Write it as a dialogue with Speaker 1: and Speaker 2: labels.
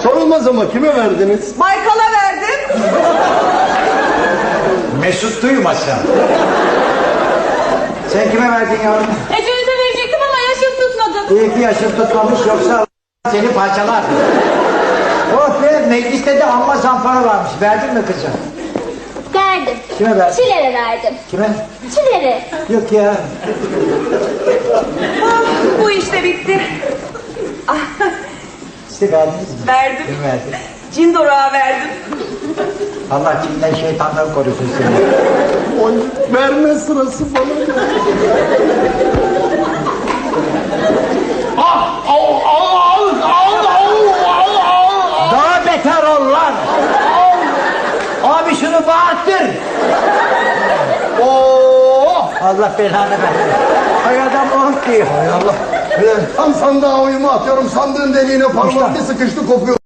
Speaker 1: Sorulmaz ama kime verdiniz?
Speaker 2: Baykal'a verdim.
Speaker 3: Mesut duymasın. Sen kime verdin yavrum?
Speaker 4: Ecevit'e verecektim ama yaşım tutmadı.
Speaker 3: İyi ki yaşın tutmamış, yoksa seni parçalar. Oh be, mecliste de amma zampara varmış. Verdin mi kızım?
Speaker 4: Verdim.
Speaker 3: Kime verdin?
Speaker 4: Çiler'e verdim.
Speaker 3: Kime?
Speaker 4: Çiler'e.
Speaker 3: Yok ya.
Speaker 2: Bu işte bitti.
Speaker 3: Size verdiniz mi?
Speaker 2: Verdim.
Speaker 3: Kim verdi?
Speaker 2: Cindora'ya verdim.
Speaker 3: Allah kimden şeytandan korusun seni.
Speaker 1: Oy, verme sırası bana.
Speaker 3: Daha beter ol lan. Abi şunu bağırttır. Allah belanı versin. Hay adam oh diyor.
Speaker 1: Hay Allah. Tam sandığa oyumu atıyorum. Sandığın deliğine parmak bir sıkıştı kopuyor.